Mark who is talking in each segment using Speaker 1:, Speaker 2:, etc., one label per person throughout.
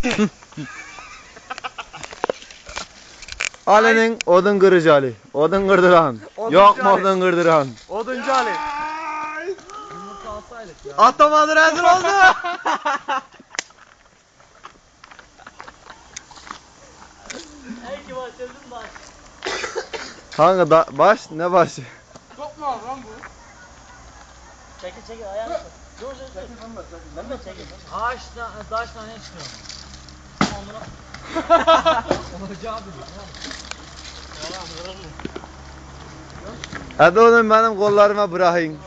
Speaker 1: Ali'nin odun kırıcı Ali. Odun kırdıran.
Speaker 2: Oduncu
Speaker 1: Yok mu
Speaker 2: Ali.
Speaker 1: odun kırdıran?
Speaker 2: Oduncu Ali. Atamadı rezil oldu.
Speaker 3: Belki başladım baş.
Speaker 1: Kanka baş ne başı?
Speaker 2: Çok mu lan bu?
Speaker 3: Çekil çekil ayağını tut. Dur dur dur. Ben de çekil. Ağaç tane çıkıyor. Onlara. Olacağı biliyor.
Speaker 1: Hadi oğlum benim kollarıma bırakın.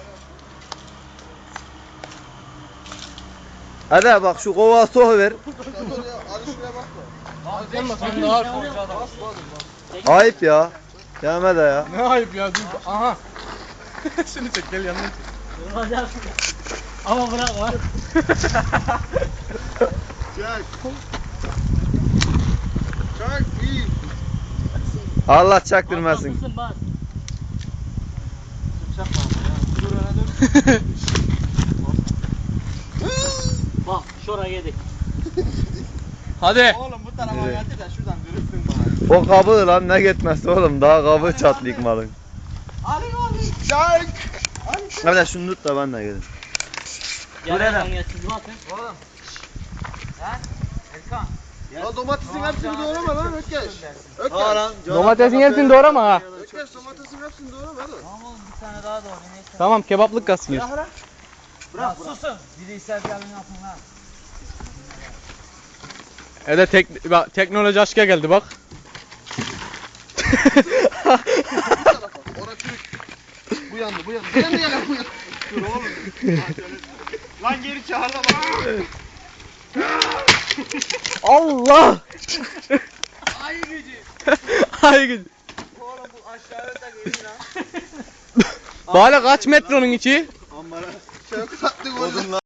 Speaker 1: Hadi bak şu kova soğuver.
Speaker 2: Sen daha
Speaker 1: Ayıp ya. Gelme de ya.
Speaker 2: Ne ayıp ya. Dur. Aha. Şunu çek gel yanına çek.
Speaker 3: Duracağız. Ama bırakma.
Speaker 2: Çak iyi.
Speaker 1: Allah çaktırmasın.
Speaker 3: Basın bas.
Speaker 2: Dur öne dön.
Speaker 3: Bak şuraya yedik.
Speaker 2: Hadi. Oğlum bu tarafa getir de şuradan dürüstsün bana.
Speaker 1: O kabı lan ne gitmez oğlum. Daha kabı çatlayık malın.
Speaker 2: Ali. Çak.
Speaker 1: Hadi şunu tut da ben de gelin.
Speaker 3: Gel siz bakın.
Speaker 2: Oğlum. Ha? Erkan. Ya domatesin hepsini doğrama lan Ökkeş. Ökkeş.
Speaker 4: Domatesin hepsini doğrama ha.
Speaker 2: Ökkeş domatesin hepsini doğrama hadi.
Speaker 3: Tamam oğlum bir tane daha doğru neyse.
Speaker 4: Tamam kebaplık kalsın ya.
Speaker 2: Bırak.
Speaker 3: Susun. Bireysel gelin yapın lan.
Speaker 4: Bak, teknoloji aşka geldi bak.
Speaker 2: Orası Türk. Bu yandı. Bu yandı gel bu yandı. Dur oğlum. Lan geri çağır da bak.
Speaker 4: Allah!
Speaker 2: Ay gücü.
Speaker 4: Ay gücü.
Speaker 2: Oğlum bu aşağıya da geliyor lan.
Speaker 4: Bana kaç metronun içi?
Speaker 2: Ambara. Çok tatlı oldu.